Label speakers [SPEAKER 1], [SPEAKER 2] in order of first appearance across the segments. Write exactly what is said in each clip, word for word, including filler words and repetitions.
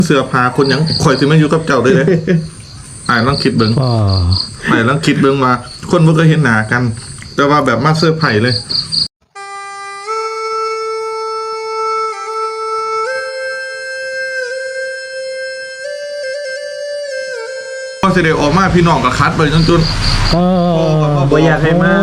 [SPEAKER 1] เสื้อผ้าคนยังข่อยสิมาอยู่กับเจ้าได้เลยอ่านลองคิดเบิ่งอ่านลองคิดเบิ่งมาคนบ่เคยเห็นหน้ากัน แต่ว่าแบบมาเสื้อไผ่เลยพอสิได้ออกมาพี่น้องก็คัดไปจนจน
[SPEAKER 2] เออบ่อยากให้มา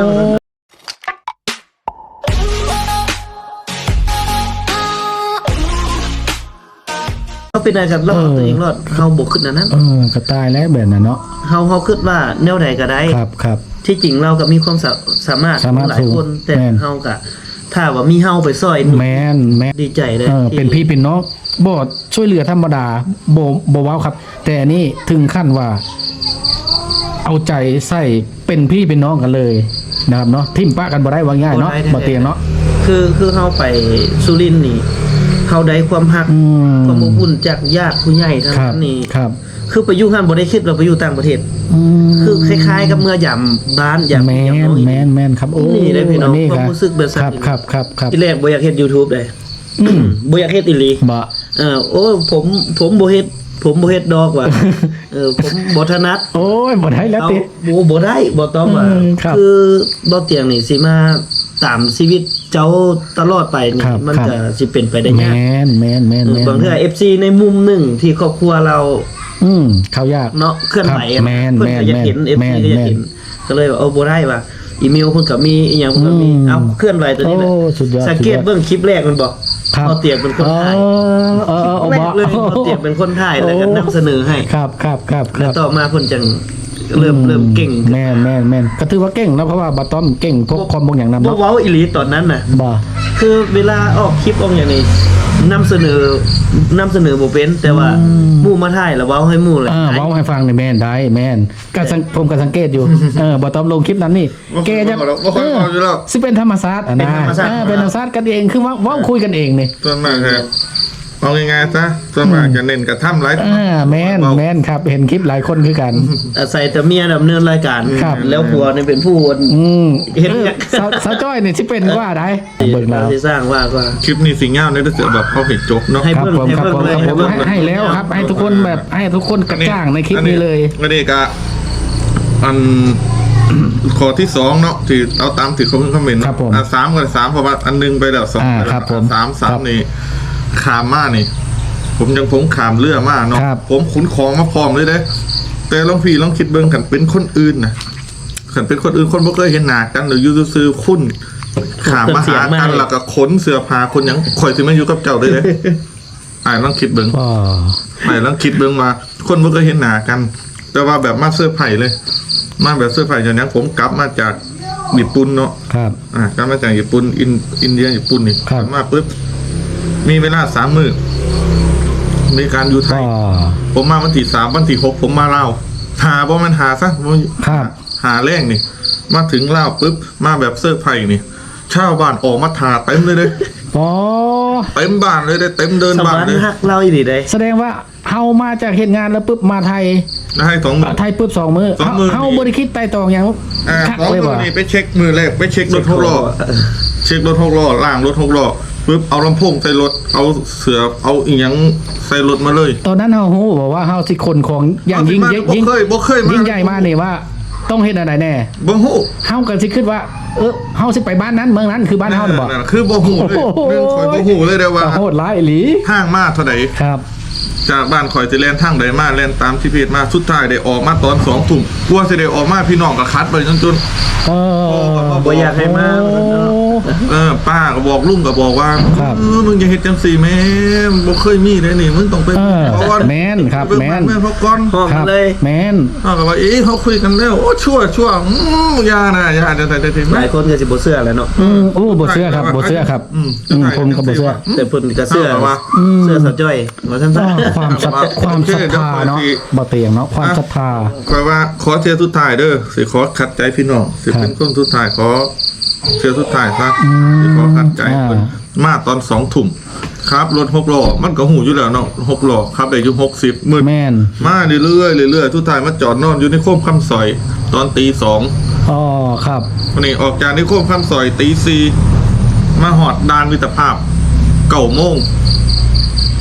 [SPEAKER 2] เขาเป็นอะไรกันรอดตัวเองรอดเฮาบ่ขึ้นอันนั้น
[SPEAKER 3] เออก็ตายแล้วแบบนั้นเนาะ
[SPEAKER 2] เฮาเฮาคิดว่าแนวใดก็ได้
[SPEAKER 3] ครับครับ
[SPEAKER 2] ที่จริงเราก็มีความสามารถหลายคนแต่เฮาก็ถ้าว่ามีเฮาไปซอย
[SPEAKER 3] แม่นแม่น
[SPEAKER 2] ดีใจเลย
[SPEAKER 3] เออเป็นพี่เป็นน้องบ่ช่วยเหลือธรรมดาบ่บ่ว้าวครับแต่นี่ถึงขั้นว่าเอาใจใส่เป็นพี่เป็นน้องกันเลยนะครับเนาะทิ่มปะกันบ่ได้ว่าง่ายเนาะบ่เตียงเนาะ
[SPEAKER 2] คือคือเฮาไปสุรินทร์นี่เฮาได้ความฮักความอบอุ่นจากญาติผู้ใหญ่ทั้งนั้นนี่
[SPEAKER 3] ครับ
[SPEAKER 2] คือไปอยู่หั่นบ่ได้คิดว่าไปอยู่ต่างประเทศคือคล้ายๆกับเมื่อยามบ้านยาม
[SPEAKER 3] แม่นแม่นแม่นครับโอ้
[SPEAKER 2] นี่ได้พี่น้องความรู้สึกแบบ
[SPEAKER 3] ครับครับครับครับ
[SPEAKER 2] ที่แรกบ่อยากเฮ็ด YouTube ได้บ่อยากเฮ็ดอีหลี
[SPEAKER 3] บ่
[SPEAKER 2] เออโอ้ผมผมบ่เฮ็ดผมบ่เฮ็ดดอกว่ะเออผมบ่ถนัด
[SPEAKER 3] โอ้ยบ่ได้แล้วติ
[SPEAKER 2] บ่บ่ได้บ่ต้องว่าคือบ่เตียงนี่สิมาตามชีวิตเจ้าตลอดไปนี่มันก็สิเป็นไปได้ยาก
[SPEAKER 3] แม่นแม่นแม่น
[SPEAKER 2] บางเทื่อ เอฟ ซี ในมุมหนึ่งที่ครอบครัวเรา
[SPEAKER 3] อืมเขายาก
[SPEAKER 2] เนาะเคลื่อนไหวเพิ่นก็อยากเห็น เอฟ ซี ก็อยากเห็นก็เลยว่าเอาบ่ได้ว่ะอีเมลเพิ่นก็มีอีหยังเพิ่นก็มีเอ้าเคลื่อนไหวตัวนี้แหละสังเกตเบิ่งคลิปแรกมันบอกพอเตียงเป็นคนถ่าย
[SPEAKER 3] เออๆๆบ่
[SPEAKER 2] เลยพอเตียงเป็นคนถ่ายแล้วก็นำเสนอให้
[SPEAKER 3] ครับครับครับ
[SPEAKER 2] แล้วต่อมาเพิ่นจังเริ่มเริ่มเก่ง
[SPEAKER 3] แม่นแม่นแม่นก็ถือว่าเก่งนะเพราะว่าบาต้อมเก่งพวกความบางอย่างนำ
[SPEAKER 2] เนาะบ่เว้าอีหลีตอนนั้นน่ะ
[SPEAKER 3] บ่
[SPEAKER 2] คือเวลาออกคลิปออกอย่างนี้นำเสนอนำเสนอบ่เป็นแต่ว่าหมู่มาถ่ายแล้วเว้าให้หมู่เลย
[SPEAKER 3] อ่าเว้าให้ฟังนี่แม่นได้แม่นก็ผมก็สังเกตอยู่เออบาต้อมลงคลิปนั้นนี่แกจะเออสิเป็นธรรมชาติอ่ะนะเออเป็นธรรมชาติกันเองคือว่าเว้าคุยกันเองนี่
[SPEAKER 1] ส่วนมากครับเอาง่ายๆซะส่วนมากจะเน้นกระทำหลาย
[SPEAKER 3] อ่าแม่นแม่นครับเห็นคลิปหลายคนคือกัน
[SPEAKER 2] อาศัยแต่เมียดำเนินรายการแล้วผัวนี่เป็นผู้
[SPEAKER 3] เห็นสาวจ้อยนี่สิเป็นว่าได้
[SPEAKER 2] เบิ่งแล้วที่สร้างว่าก็
[SPEAKER 1] คลิปนี้สิยาวเนี่ยจะแบบเขาเห็นจบเนาะ
[SPEAKER 3] ครับผมครับผมครับผมให้แล้วครับให้ทุกคนแบบให้ทุกคนกระจ่างในคลิปนี้เลย
[SPEAKER 1] ก็นี่ก็อันข้อที่สองเนาะที่เอาตามที่เขาเพิ่งคอมเมนต์อ่ะสามกับสามเพราะว่าอันนึงไปแล้วสองสามสามนี่ขามมากนี่ผมยังผมขามเรือมากเนาะผมขุนของมาพร้อมเลยเด้แต่ลองพี่ลองคิดเบิ่งกันเป็นคนอื่นนะกันเป็นคนอื่นคนบ่เคยเห็นหน้ากันหรืออยู่ซื่อๆคุ้นขามมาหากันแล้วก็ขนเสื้อผ้าคนยังข่อยสิมาอยู่กับเจ้าได้เลยอ่านลองคิดเบิ่งอ่านลองคิดเบิ่งมาคนบ่เคยเห็นหน้ากัน แต่ว่าแบบมาเสื้อไผ่เลยมาแบบเสื้อไผ่อย่างนี้ผมกลับมาจากญี่ปุ่นเนาะ
[SPEAKER 3] ครับ
[SPEAKER 1] อ่ากลับมาจากญี่ปุ่นอินอินเดียญี่ปุ่นนี่มาปุ๊บมีเวลาสามมื้อในการอยู่ไทยผมมาวันที่สามวันที่หกผมมาเล่าหาบ่มันหาซะหาแรงนี่มาถึงเล่าปุ๊บมาแบบเสื้อไผ่นี่ชาวบ้านออกมาถาเต็มเลยเลย
[SPEAKER 3] อ๋อ
[SPEAKER 1] เต็มบ้านเลยได้เต็มเดินบ้านเลย
[SPEAKER 2] ฮักเล่าอีหลีได้
[SPEAKER 3] แสดงว่าเฮามาจากเหตุงานแล้วปุ๊บมาไทย
[SPEAKER 1] ให้สองมื้อ
[SPEAKER 3] ไทยปุ๊บสองมื้อเฮาบ่ได้คิดไต่ตองหยัง
[SPEAKER 1] คักเลยว่ะนี่ไปเช็คมือแรกไปเช็ครถหกล้อเช็ครถหกล้อล่างรถหกล้อปุ๊บเอาลำโพงใส่รถเอาเสือเอาอีหยังใส่รถมาเลย
[SPEAKER 3] ตอนนั้นเฮาฮู้บอกว่าเฮาสิคนของอย่างยิ่งยิ่ง
[SPEAKER 1] บ่เคยบ่เคย
[SPEAKER 3] ยิ่งใหญ่มากนี่ว่าต้องเฮ็ดอะไรแน่
[SPEAKER 1] บ่ฮู้
[SPEAKER 3] เฮาก็สิคิดว่าเออเฮาสิไปบ้านนั้นเมืองนั้นคือบ้านเฮาน่ะบ่
[SPEAKER 1] คือบ่ฮู้เลยเรื่องข่อยบ่ฮู้เลยเด้อว่า
[SPEAKER 3] โหดร้ายอีหลี
[SPEAKER 1] ทางมาเท่าใด
[SPEAKER 3] ครับ
[SPEAKER 1] จากบ้านข่อยสิแล่นทางใดมาแล่นตามที่เพจมาสุดท้ายได้ออกมาตอนสองทุ่มกลัวสิได้ออกมาพี่น้องก็คัดไปจนจน
[SPEAKER 3] เออ
[SPEAKER 2] บ่อยากให้มา
[SPEAKER 1] เออป้าก็บอกลุงก็บอกว่าเออมึงอย่าเฮ็ดจังซี่แม่บ่เคยมีได้นี่มึงต้องไป
[SPEAKER 3] ก่อนแม่นครับแม่น
[SPEAKER 1] แม่นเพราะก่อน
[SPEAKER 3] ครับแม่น
[SPEAKER 1] เฮาก็ว่าเอ๊ะเขาคุยกันแล้วโอ้ชั่วชั่วอืมอย่านะอย่าจะใส่ๆๆ
[SPEAKER 2] หลายคนก็สิบ่เชื่อแล้วเนาะ
[SPEAKER 3] อืมโอ้บ่เชื่อครับบ่เชื่อครับอืมผมก็บ่เชื่อ
[SPEAKER 2] แต่เพิ่นก็เชื่อว่าเชื่อสะจ้อยว่าซั่นๆ
[SPEAKER 3] ความศรัทธาความศรัทธาเนาะบ่เตียงเนาะความศรัทธา
[SPEAKER 1] ขอว่าขอเทียสุดท้ายเด้อสิขอขัดใจพี่น้องสิเป็นคนสุดท้ายขอเทียสุดท้ายซะสิขอขัดใจเพิ่นมาตอนสองทุ่มครับรถหกล้อมันก็หูอยู่แล้วเนาะหกล้อครับได้อยู่หกสิบมื้อ
[SPEAKER 3] แม่น
[SPEAKER 1] มาเรื่อยๆเรื่อยๆสุดท้ายมาจอดนอนอยู่ในโค้งคำซอยตอนตีสอง
[SPEAKER 3] อ๋อครับ
[SPEAKER 1] วันนี้ออกจากในโค้งคำซอยตีสี่มาหอดด่านมิตรภาพเก้าโมง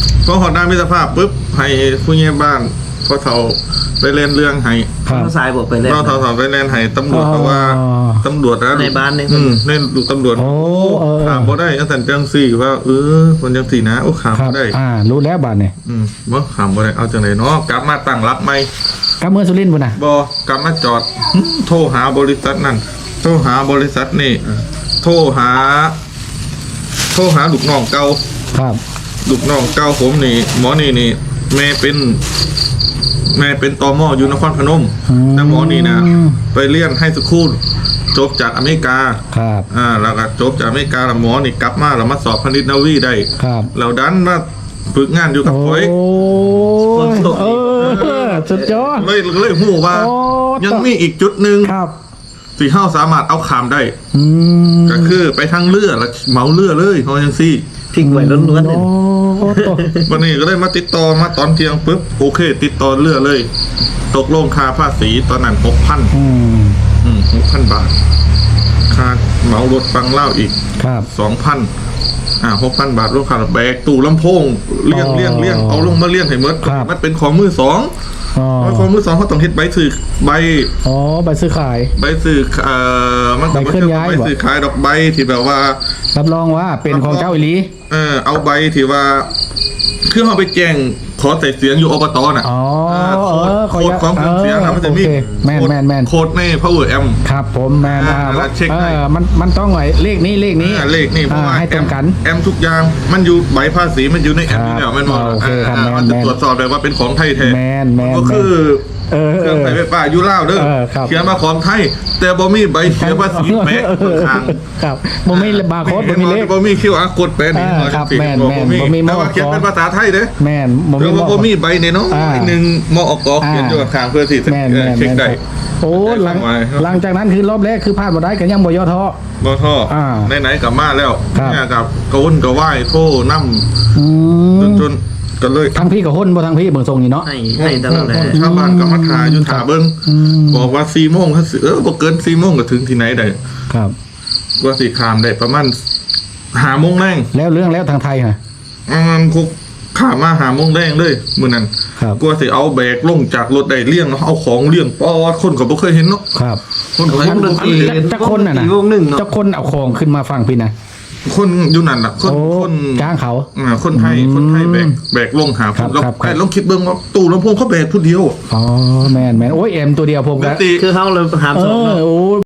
[SPEAKER 1] พอหอดด้านมิตรภาพปุ๊บให้ผู้ใหญ่บ้านพอเฒ่าไปเล่นเรื่องให้
[SPEAKER 3] ครับ
[SPEAKER 2] เขาสายบอกไปแล้ว
[SPEAKER 1] พอเฒ่าๆไปเล่นให้ตำรวจเพราะว่า
[SPEAKER 3] อ๋อ
[SPEAKER 1] ตำรวจนะ
[SPEAKER 2] ในบ้านนี่
[SPEAKER 1] อืมเล่นดูตำรวจ
[SPEAKER 3] โอ้เออ
[SPEAKER 1] ถามบ่ได้ตั้งแต่จังสี่ว่าเออคนจังสี่นะโอ้ขาม
[SPEAKER 3] ครับ
[SPEAKER 1] บ่ได้
[SPEAKER 3] อ่า รู้แล้วบาดเนี่ย
[SPEAKER 1] อืมบ่ขามบ่ได้เอาจังไดเนาะกลับมาตั้งรับไหม
[SPEAKER 3] กลับเมืองสุรินทร์พุ่นน่ะ
[SPEAKER 1] บ่กลับมาจอดหึโทรหาบริษัทนั่นโทรหาบริษัทนี่โทรหา โทรหาลูกน้องเก่า
[SPEAKER 3] ครับ
[SPEAKER 1] ลูกน้องเก่าผมนี่หมอนี่นี่แม่เป็น แม่เป็นตมอยู่นครพนม
[SPEAKER 3] อืม
[SPEAKER 1] แต่หมอนี่นะไปเรียนให้สคูลจบจากอเมริกา
[SPEAKER 3] ครับ
[SPEAKER 1] อ่าแล้วก็จบจากอเมริกาแล้วหมอนี่กลับมาแล้วมาสอบพนิษฐ์นาวีได้
[SPEAKER 3] ครับ
[SPEAKER 1] แล้วดันมาฝึกงานอยู่กับ
[SPEAKER 3] โอ้
[SPEAKER 1] ข่อย
[SPEAKER 3] ยเออสุดยอด
[SPEAKER 1] เลยเลยหูว่า
[SPEAKER 3] โอ้
[SPEAKER 1] ยังมีอีกจุดหนึ่ง
[SPEAKER 3] ครับ
[SPEAKER 1] ที่เฮาสามารถเอาขามได้
[SPEAKER 3] อืม
[SPEAKER 1] ก็คือไปทางเรือแล้วเหมาเรือเลยเขาจังซี่
[SPEAKER 2] ทิ้งไว้ล้วนๆ
[SPEAKER 3] โอ้
[SPEAKER 2] เนี่ย
[SPEAKER 3] โต
[SPEAKER 1] วันนี้ก็เลยมาติดต่อมาตอนเที่ยงปุ๊บโอเค ติดต่อเรือเลย ตกลงค่าภาษีตอนนั้นหกพัน
[SPEAKER 3] อืม
[SPEAKER 1] อืมหกพันบาท ค่าเหมารถฟังเล่าอีก
[SPEAKER 3] ครับ
[SPEAKER 1] สองพันอ่าหกพันบาทรวมค่าแบกตู้ลำโพงเลี้ยง
[SPEAKER 3] อ๋อ
[SPEAKER 1] เลี้ยงเลี้ยงเอาลงมาเลี้ยงให้หมด
[SPEAKER 3] ครับ
[SPEAKER 1] มันเป็นของมือสอง
[SPEAKER 3] อ๋อ
[SPEAKER 1] เพราะของมือสองเขาต้องเฮ็ดใบสื่อใบ
[SPEAKER 3] อ๋อใบซื้อขาย
[SPEAKER 1] ใบสื่อเอ่อมันก็
[SPEAKER 3] ใบเคลื่อนย้าย
[SPEAKER 1] ใบ
[SPEAKER 3] บ่
[SPEAKER 1] สื่อขายดอกใบที่แบบว่า
[SPEAKER 3] รับรองว่าเป็นของเจ้าอิลี
[SPEAKER 1] เออเอาใบที่ว่าคือเขาไปแจ้งขอใส่เสียงอยู่อบตน่ะ
[SPEAKER 3] อ๋อ
[SPEAKER 1] าโค้ด
[SPEAKER 3] เออขอ
[SPEAKER 1] โค้ดของเครื่องเสียงนะมันจะมี
[SPEAKER 3] โอเคแม่น
[SPEAKER 1] โค้ด
[SPEAKER 3] แม่นแม่น
[SPEAKER 1] โค้ดใน power amp
[SPEAKER 3] ครับผมแมน
[SPEAKER 1] อ่า
[SPEAKER 3] อ่า
[SPEAKER 1] แล้วเช็ค
[SPEAKER 3] เอ
[SPEAKER 1] ให้
[SPEAKER 3] อมันมันต้องไหนเลขนี้เลขนี้
[SPEAKER 1] อ่าเลขนี่เพราะ
[SPEAKER 3] อ่า
[SPEAKER 1] ว่า
[SPEAKER 3] ให้ตรงกัน
[SPEAKER 1] แอมทุกอย่างมันอยู่ใบภาษีมันอยู่ในแอมนี่แหละมันบอก
[SPEAKER 3] โอเคครับ
[SPEAKER 1] อ่า
[SPEAKER 3] แม่น
[SPEAKER 1] มันจะ
[SPEAKER 3] แม่น
[SPEAKER 1] ตรวจสอบเลยว่าเป็นของไทยแท้
[SPEAKER 3] แมนแมน
[SPEAKER 1] ก็คือ
[SPEAKER 3] เออ
[SPEAKER 1] เครื่องใส่ไฟฟ้าอยู่ลาวเด้อ
[SPEAKER 3] เออครับ
[SPEAKER 1] เขียนมาของไทย แต่บ่มีใบเสียภาษีแปะข้าง
[SPEAKER 3] ครับบ่มีบาร์โค้ดบ่มีเลข
[SPEAKER 1] บ่มี คิว อาร์ โค้ดแปะนี่
[SPEAKER 3] อ่าครับแม่นแม่นบ่มี
[SPEAKER 1] แต่ว่าเขียนเป็นภาษาไทยเด้อ
[SPEAKER 3] แมนบ่
[SPEAKER 1] ห
[SPEAKER 3] มี
[SPEAKER 1] รือว่า
[SPEAKER 3] หม้อ
[SPEAKER 1] บ่มีใบเนี่ยเนาะ
[SPEAKER 3] อ่า
[SPEAKER 1] หนึ่งมอกเขียนอยู่ข้างเพื่อที่จะ
[SPEAKER 3] แมนแมน
[SPEAKER 1] เช็ค
[SPEAKER 3] แมน
[SPEAKER 1] ได้
[SPEAKER 3] โอ้หลัง
[SPEAKER 1] ได้ครับ
[SPEAKER 3] หลังจากนั้นคือรอบแรกคือพลาดบ่ได้กันยังบ่ย่อท้อ
[SPEAKER 1] บ่ท่อ
[SPEAKER 3] อ่า
[SPEAKER 1] ไหนๆกลับมาแล้ว
[SPEAKER 3] ครับ
[SPEAKER 1] เนี่ยกับกระวนกระว่ายโทรนำ
[SPEAKER 3] อื
[SPEAKER 1] จน
[SPEAKER 3] ม
[SPEAKER 1] จนก็เลย
[SPEAKER 3] ทั้งพี่กับหุ่นบ่ทั้งพี่เบิ่งทรงนี่เนาะ
[SPEAKER 2] ให้ให้ตลอดเลย
[SPEAKER 1] ชาวบ้านก็มาถ่ายอยู่ถ่าเบิ้ง
[SPEAKER 3] อืม
[SPEAKER 1] บอกว่าสี่โมงถ้าสิเออบ่เกินสี่โมงก็ถึงที่ไหนได้
[SPEAKER 3] ครับ
[SPEAKER 1] ว่าสิขามได้ประมาณหาโมงแรง
[SPEAKER 3] แล้วเรื่องแล้วทางไทยฮะ
[SPEAKER 1] อืมคุกขามมาหาโมงแรงเลยมื้อนั้น
[SPEAKER 3] ครับ
[SPEAKER 1] กว่าสิเอาแบกลงจากรถได้เลี้ยงเนาะเอาของเลี้ยงปอดคนก็บ่เคยเห็นเนาะ
[SPEAKER 3] ครับ
[SPEAKER 1] คนก็
[SPEAKER 2] ว
[SPEAKER 1] เห็น
[SPEAKER 2] งดนตรี
[SPEAKER 3] จักคนน่ะนะ
[SPEAKER 2] วงหนึ่งเนาะ
[SPEAKER 3] เจ้าคนเอาของขึ้นมาฟังพี่นะ
[SPEAKER 1] คนอยู่นั่นน่ะคน
[SPEAKER 3] โอ้
[SPEAKER 1] คน
[SPEAKER 3] จ้างเขา
[SPEAKER 1] อ่าคนไทย
[SPEAKER 3] อืม
[SPEAKER 1] คนไทยแบกแบกลงหา
[SPEAKER 3] ครับ
[SPEAKER 1] แล้ว
[SPEAKER 3] ครับครับ
[SPEAKER 1] ไอ้ลองคิดเบิ่งว่าตู้ลำโพงเขาแบกผู้เดียว
[SPEAKER 3] อ๋อแมนแมนโอ้ยเอ็มตัวเดียวผม
[SPEAKER 1] ปก
[SPEAKER 3] ก็
[SPEAKER 1] ติ
[SPEAKER 2] คือเขาเลยหาม
[SPEAKER 3] เอ
[SPEAKER 2] สอง
[SPEAKER 3] อ
[SPEAKER 2] เนาะ
[SPEAKER 3] โอ้